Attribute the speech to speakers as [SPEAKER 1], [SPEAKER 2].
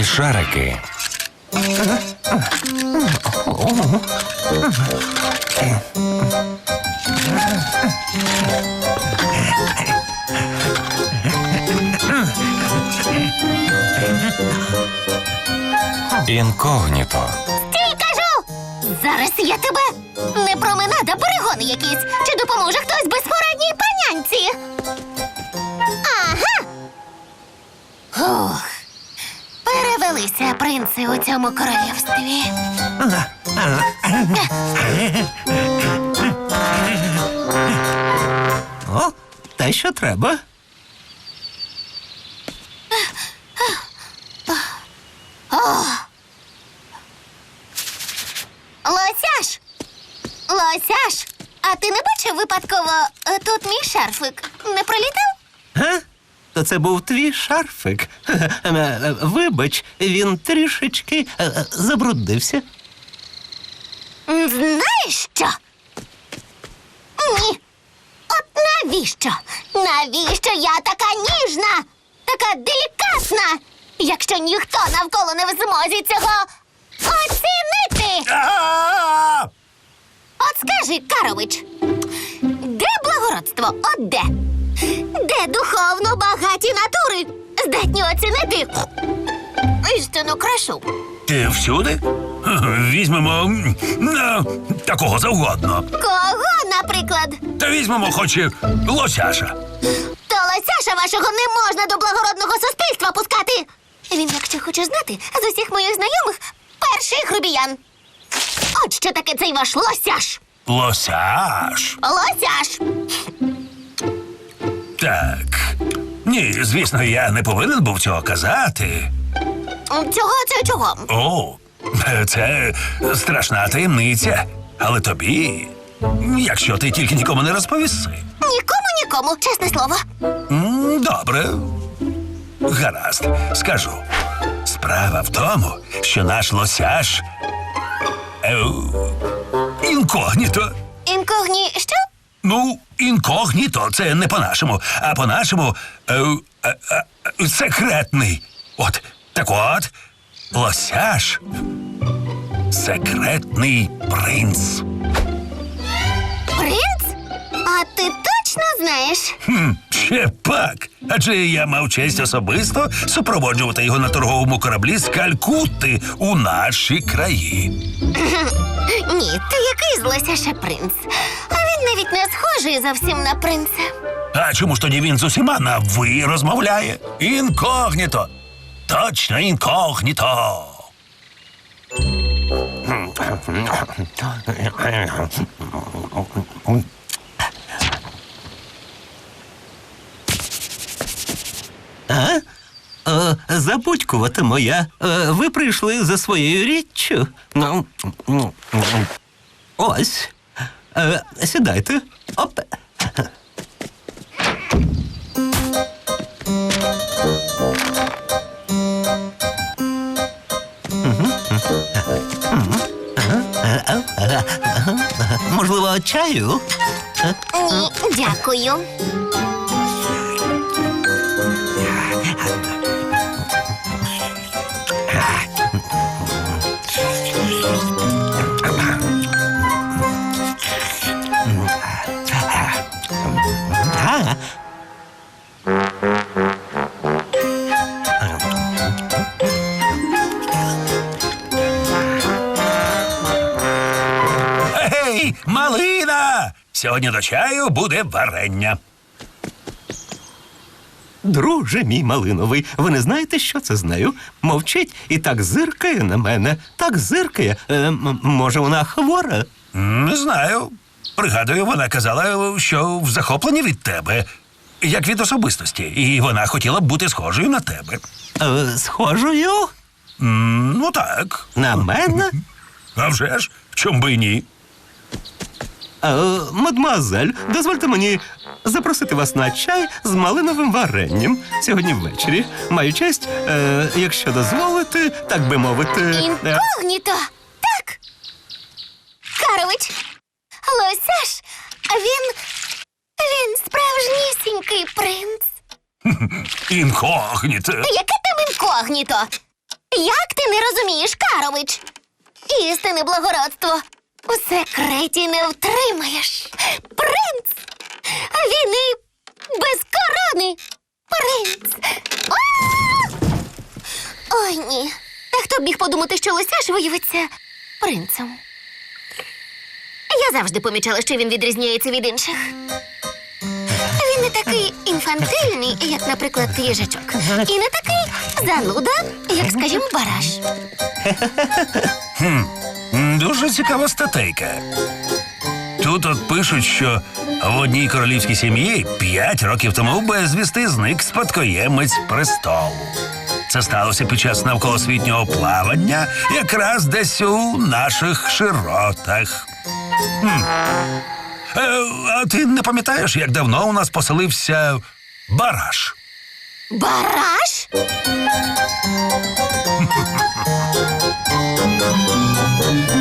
[SPEAKER 1] Смішарики. Інкогніто.
[SPEAKER 2] Стій, кажу! Зараз я тебе! Не променада, перегони якісь! Чи допоможе хтось безпорадній панянці? Ага! Ух! Перевелися принци у цьому королівстві.
[SPEAKER 3] О, те, що треба.
[SPEAKER 2] Лосяш! Лосяш! А ти не бачив випадково тут мій шарфик? Не пролітав?
[SPEAKER 3] Га? То це був твій шарфик. Вибач, він трішечки забруднився.
[SPEAKER 2] Знаєш що? Ні. От навіщо? Навіщо я така ніжна? Така делікатна? Якщо ніхто навколо не в змозі цього оцінити. От скажи, Карович, де благородство? От де? Де духовно багаті натури здатні оцінити істинну красу?
[SPEAKER 4] Ти всюди? Візьмемо такого завгодно.
[SPEAKER 2] Кого, наприклад?
[SPEAKER 4] Та візьмемо хоч і лосяша.
[SPEAKER 2] То лосяша вашого не можна до благородного суспільства пускати. Він, якщо хоче знати, з усіх моїх знайомих перший грубіян. От що таке цей ваш лосяш.
[SPEAKER 4] Лосяш?
[SPEAKER 2] Лосяш.
[SPEAKER 4] Так. Ні, звісно, я не повинен був цього казати.
[SPEAKER 2] Чого?
[SPEAKER 4] О, це страшна таємниця. Але тобі, якщо ти тільки нікому не розповіси.
[SPEAKER 2] Нікому, чесне слово.
[SPEAKER 4] Добре. Гаразд, скажу. Справа в тому, що наш лосяш інкогніто.
[SPEAKER 2] Що?
[SPEAKER 4] Ну, інкогніто, це не по-нашому, а по-нашому секретний. Так от, лосяш – секретний принц.
[SPEAKER 2] Принц? А ти точно знаєш?
[SPEAKER 4] Ще пак. Адже я мав честь особисто супроводжувати його на торговому кораблі з Калькутти у наші краї.
[SPEAKER 2] Ні, ти який з лосяша принц? А він навіть не схожий зовсім на принца.
[SPEAKER 4] А чому ж тоді він з усіма на «ви» розмовляє? Інкогніто. Точно інкогніто.
[SPEAKER 3] Забудькувата моя, ви прийшли за своєю річчю. Ось. Сідайте. Оп. Можливо, чаю?
[SPEAKER 2] Ні, дякую.
[SPEAKER 4] Ей, малина! Сьогодні до чаю буде варення.
[SPEAKER 3] Друже мій малиновий, ви не знаєте, що це з нею? Мовчить і так зиркає на мене. Так зиркає. Може, вона хвора?
[SPEAKER 4] Не знаю. Пригадую, вона казала, що в захопленні від тебе, як від особистості, і вона хотіла б бути схожою на тебе.
[SPEAKER 3] Схожою?
[SPEAKER 4] Ну так.
[SPEAKER 3] На мене?
[SPEAKER 4] А вже ж, чом би й ні?
[SPEAKER 3] Мадемуазель, дозвольте мені запросити вас на чай з малиновим варенням сьогодні ввечері. Маю честь, якщо дозволите, так би мовити...
[SPEAKER 2] Інкогніто, так. Карович, лосяш, він справжнісінький принц.
[SPEAKER 4] Інкогніто.
[SPEAKER 2] Яке там інкогніто? Як ти не розумієш, Карович? Істинне благородство у секреті не втримаєш. Принц! А він і без корони. Принц! А! Ой, ні. Та хто б міг подумати, що Лосяш виявиться принцем? Я завжди помічала, що він відрізняється від інших. Він не такий інфантильний, як, наприклад, їжачок. І не такий зануда, як, скажімо, бараш.
[SPEAKER 4] Дуже цікава статейка. Тут от пишуть, що в одній королівській сім'ї 5 років тому безвісти зник спадкоємець престолу. Це сталося під час навколосвітнього плавання, якраз десь у наших широтах. А ти не пам'ятаєш, як давно у нас поселився бараш?
[SPEAKER 2] Бараш?